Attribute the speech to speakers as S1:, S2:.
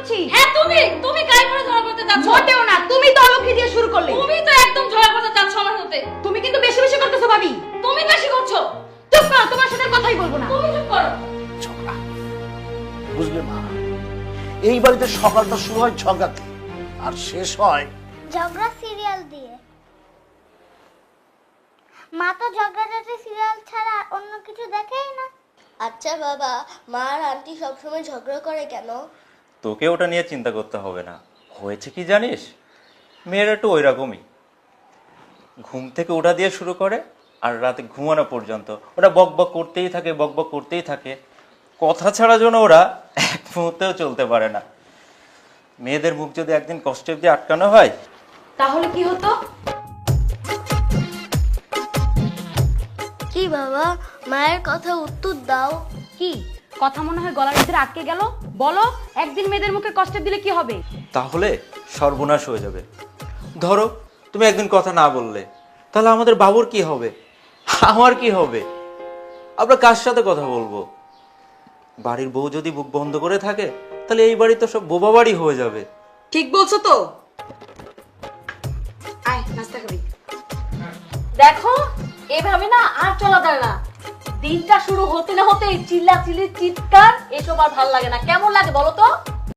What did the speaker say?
S1: করছি?
S2: হ্যাঁ তুমি গায়ে পড়ে ঝগড়া করতে যাচ্ছ।
S1: মোটেও না, তুমি তো অলক্ষী দিয়ে শুরু করলে।
S2: তুমি তো একদম ঝগড়া করতে যাচ্ছ আমার সাথে।
S1: তুমি কিন্তু বেশি বেশি করতেছো ভাবি।
S2: তুমি বেশি করছো।
S1: চুপ করো, তোমার সাথে আর কথাই বলবো না।
S2: তুমি চুপ করো।
S3: ঝগড়া, বুঝলে মা, এই বাড়িতে সকালটা শুরু হয় ঝগড়াতে আর শেষ হয়
S4: ঝগড়া সিরিয়াল দিয়ে। মা তো ঝগড়াঝাটি সিরিয়াল ছাড়া অন্য কিছু দেখেই না।
S5: আচ্ছা বাবা, মা আর আন্টি সবসময় ঝগড়া করে কেন?
S6: তোকে ওটা নিয়ে চিন্তা করতে হবে না। হয়েছে কি জানিস, মেয়েরা একটু ওই রকমই, ঘুম থেকে ওঠা দিয়ে শুরু করে আর রাতে ঘুমানো পর্যন্ত ওরা বক বক করতেই থাকে, বক বক করতেই থাকে। কথা ছাড়া যেন ওরা এক মুহূর্তেও চলতে পারে না। মেয়েদের মুখ যদি একদিন কষ্টে দিয়ে আটকানো হয়,
S1: তাহলে কি হতো?
S5: কি বাবা, মায়ের কথা উত্তর দাও।
S1: কি কথা মনে হয় গলার ভিতরে আটকে গেল? বলো, একদিন মেয়েদের মুখে কষ্ট দিলে কি হবে?
S6: তাহলে সর্বনাশ হয়ে যাবে। ধরো তুমি একদিন কথা না বললে, তাহলে আমাদের বাবুর কি হবে, আমার কি হবে? আমরা কার সাথে কথা বলবো? বাড়ির বউ যদি বুক বন্ধ করে থাকে, তাহলে এই বাড়ি তো সব বোবা বাড়ি হয়ে যাবে।
S1: ঠিক বলছো তো। আয় নাস্তা খাবি। দেখো, এভাবে না আর চলা যায় না। দিনটা শুরু হতে না হতে চিল্লা চিল্লি চিৎকার, এসব আর ভালো লাগে না। কেমন লাগে বলো তো?